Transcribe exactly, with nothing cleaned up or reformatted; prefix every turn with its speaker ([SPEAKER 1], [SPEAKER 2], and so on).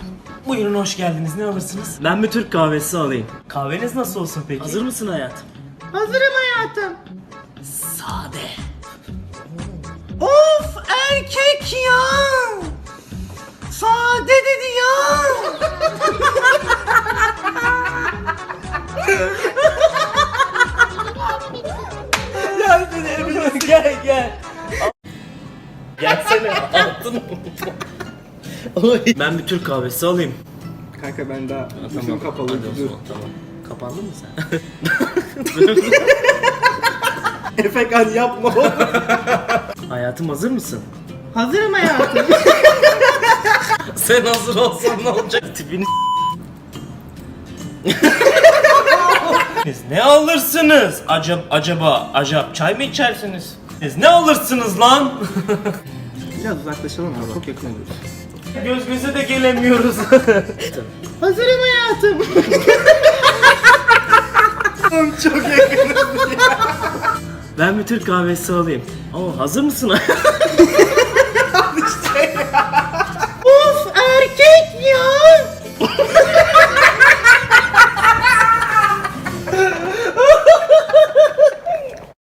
[SPEAKER 1] Buyurun, hoş geldiniz. Ne alırsınız?
[SPEAKER 2] Ben bir Türk kahvesi alayım.
[SPEAKER 1] Kahveniz nasıl olsun peki?
[SPEAKER 2] Hazır mısın hayatım?
[SPEAKER 3] Hazırım hayatım.
[SPEAKER 2] Sade.
[SPEAKER 3] Of erkek ya. Sade dedi ya.
[SPEAKER 1] Gel gel. Gelsene altın.
[SPEAKER 2] Ben bir Türk kahvesi alayım.
[SPEAKER 4] Kanka ben daha
[SPEAKER 2] Tamam.
[SPEAKER 4] gözüm kapalı.
[SPEAKER 2] Hadi o
[SPEAKER 4] Dur.
[SPEAKER 2] zaman, tamam. Kapandın mı sen?
[SPEAKER 4] Efekan yapma oğlum.
[SPEAKER 2] Hayatım hazır mısın?
[SPEAKER 3] Hazırım hayatım.
[SPEAKER 1] Sen hazır olsan ne olacak?
[SPEAKER 2] Tipini
[SPEAKER 1] Siz ne alırsınız? Acaba, acaba, acaba çay mı içersiniz? Siz ne alırsınız lan?
[SPEAKER 4] Biraz uzaklaşalım abi. Çok yakın oluyoruz.
[SPEAKER 1] Göz göze de gelemiyoruz.
[SPEAKER 3] Hazırım hayatım.
[SPEAKER 4] Çok yakın.
[SPEAKER 2] Ben bir Türk kahvesi alayım. Oo, hazır mısın hayatım?